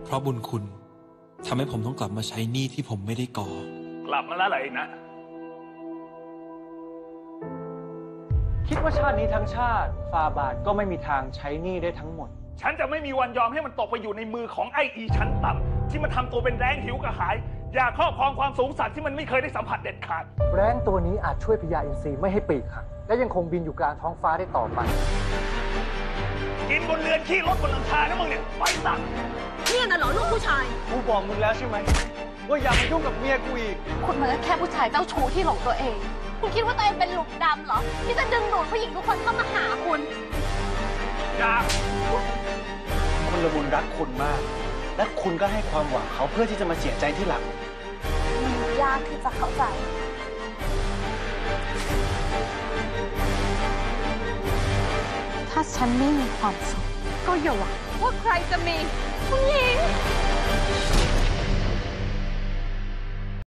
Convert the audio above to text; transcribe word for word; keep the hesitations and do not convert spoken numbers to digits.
เพราะบุญคุณทำให้ผมต้องกลับมาใช้หนี้ที่ผมไม่ได้ก่อกลับมาแล้วเหรอนะคิดว่าชาตินี้ทั้งชาติฟาบาทก็ไม่มีทางใช้หนี้ได้ทั้งหมดฉันจะไม่มีวันยอมให้มันตกไปอยู่ในมือของไอ้อีชั้นต่ำที่มันทำตัวเป็นแรงหิวกระหายอยากครอบครองความสูงสักที่มันไม่เคยได้สัมผัสเด็ดขาดแรงตัวนี้อาจช่วยพญาอินทรีไม่ให้ปีกหักและยังคงบินอยู่กลางท้องฟ้าได้ต่อไปกินบนเรือนขี้รถบนหลังคานะมึงเนี่ยไปสั่งเนี่ยน่ะเหรอลูกผู้ชายกูบอกมึงแล้วใช่ไหมว่าอย่ามายุ่งกับเมียกูอีกคุณมันก็แค่ผู้ชายเจ้าชู้ที่หลงตัวเองคุณคิดว่าตัวเองเป็นหลุมดำเหรอที่จะดึงดูดผู้หญิงทุกคนเข้ามาหาคุณอย่าคนละมุนรักคุณมากและคุณก็ให้ความหวังเขาเพื่อที่จะมาเสียใจที่หลังมันยากที่จะเข้าใจถ้าฉันไม่มีความสุขก็อย่าหวังว่าใครจะมีคุณหญิง